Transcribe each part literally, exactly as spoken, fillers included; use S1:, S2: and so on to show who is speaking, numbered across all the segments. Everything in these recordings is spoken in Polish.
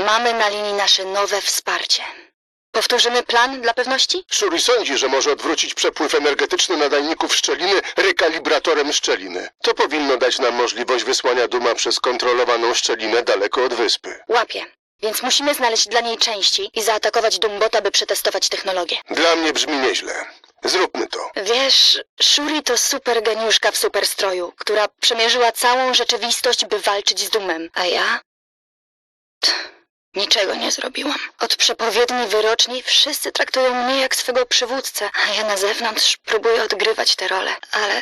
S1: Mamy na linii nasze nowe wsparcie. Powtórzymy plan dla pewności?
S2: Shuri sądzi, że może odwrócić przepływ energetyczny nadajników szczeliny rekalibratorem szczeliny. To powinno dać nam możliwość wysłania Duma przez kontrolowaną szczelinę daleko od wyspy.
S1: Łapię. Więc musimy znaleźć dla niej części i zaatakować Dumbota, by przetestować technologię.
S2: Dla mnie brzmi nieźle. Zróbmy to.
S1: Wiesz, Shuri to super geniuszka w superstroju, która przemierzyła całą rzeczywistość, by walczyć z Dumem. A ja? Tch, niczego nie zrobiłam. Od przepowiedni wyroczni wszyscy traktują mnie jak swego przywódcę, a ja na zewnątrz próbuję odgrywać tę rolę. Ale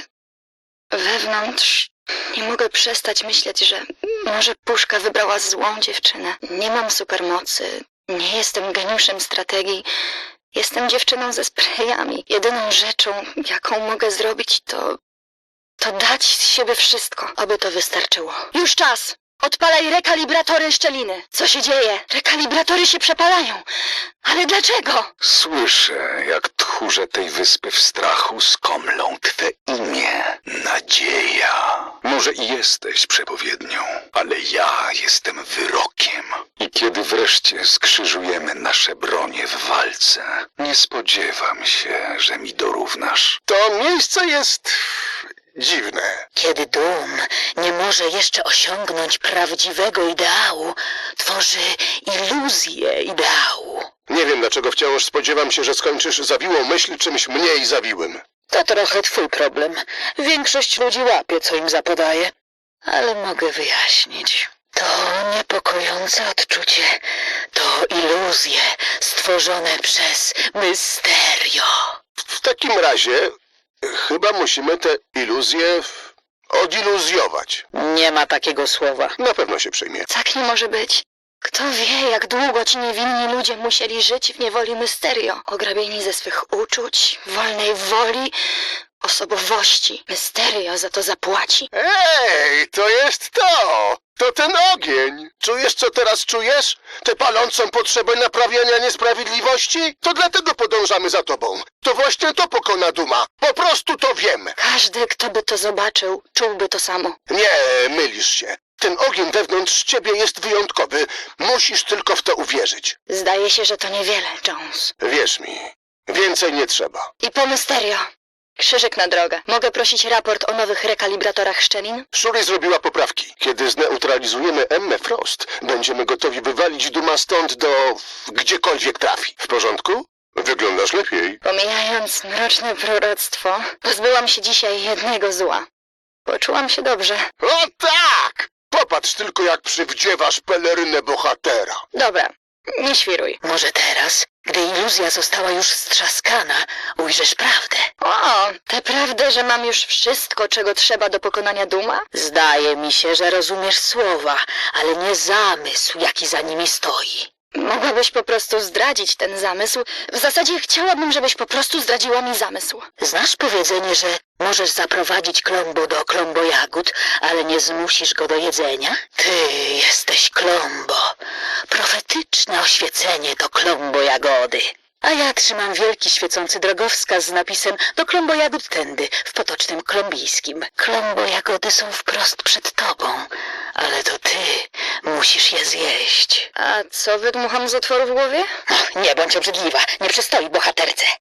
S1: wewnątrz nie mogę przestać myśleć, że może Puszka wybrała złą dziewczynę. Nie mam supermocy, nie jestem geniuszem strategii. Jestem dziewczyną ze sprayami. Jedyną rzeczą, jaką mogę zrobić, to... to dać z siebie wszystko, aby to wystarczyło. Już czas! Odpalaj rekalibratory szczeliny. Co się dzieje? Rekalibratory się przepalają. Ale dlaczego?
S3: Słyszę, jak tchórze tej wyspy w strachu skomlą twe imię. Nadzieja. Może i jesteś przepowiednią, ale ja jestem wyrokiem. I kiedy wreszcie skrzyżujemy nasze bronie w walce, nie spodziewam się, że mi dorównasz.
S2: To miejsce jest... dziwne.
S4: Kiedy Dum nie może jeszcze osiągnąć prawdziwego ideału, tworzy iluzję ideału.
S2: Nie wiem, dlaczego wciąż spodziewam się, że skończysz zawiłą myśl czymś mniej zawiłym.
S4: To trochę twój problem. Większość ludzi łapie, co im zapodaje. Ale mogę wyjaśnić. To niepokojące odczucie. To iluzje stworzone przez Mysterio.
S2: W takim razie chyba musimy te iluzje odiluzjować.
S4: Nie ma takiego słowa.
S2: Na pewno się przyjmie.
S1: Tak nie może być. Kto wie, jak długo ci niewinni ludzie musieli żyć w niewoli Mysterio, ograbieni ze swych uczuć, wolnej woli, osobowości. Mysterio za to zapłaci.
S2: Ej, to jest to! To ten ogień! Czujesz, co teraz czujesz? Tę palącą potrzebę naprawiania niesprawiedliwości? To dlatego podążamy za tobą. To właśnie to pokona Duma. Po prostu to wiem.
S1: Każdy, kto by to zobaczył, czułby to samo.
S2: Nie, mylisz się. Ten ogień wewnątrz ciebie jest wyjątkowy. Musisz tylko w to uwierzyć.
S1: Zdaje się, że to niewiele, Jones.
S2: Wierz mi, więcej nie trzeba.
S1: I po Mysterio. Krzyżyk na drogę. Mogę prosić raport o nowych rekalibratorach szczelin?
S2: Shuri zrobiła poprawki. Kiedy zneutralizujemy Emmę Frost, będziemy gotowi wywalić Duma stąd do... gdziekolwiek trafi. W porządku? Wyglądasz lepiej.
S1: Pomijając mroczne proroctwo, pozbyłam się dzisiaj jednego zła. Poczułam się dobrze.
S2: O tak! Popatrz tylko, jak przywdziewasz pelerynę bohatera.
S1: Dobra, nie świruj.
S4: Może teraz, gdy iluzja została już strzaskana, ujrzysz prawdę.
S1: O, tę prawdę, że mam już wszystko, czego trzeba do pokonania Duma?
S4: Zdaje mi się, że rozumiesz słowa, ale nie zamysł, jaki za nimi stoi.
S1: Mogłabyś po prostu zdradzić ten zamysł. W zasadzie chciałabym, żebyś po prostu zdradziła mi zamysł.
S4: Znasz powiedzenie, że możesz zaprowadzić Klombo do Klombo jagód, ale nie zmusisz go do jedzenia? Ty jesteś Klombo. Profetyczne oświecenie to Klombo jagody. A ja trzymam wielki świecący drogowskaz z napisem do Klombo jagód tędy, w potocznym klombijskim. Klombo jagody są wprost przed tobą, ale to ty musisz je zjeść.
S1: A co wydmucham z otworu w głowie?
S4: Nie bądź obrzydliwa, nie przystoi bohaterce.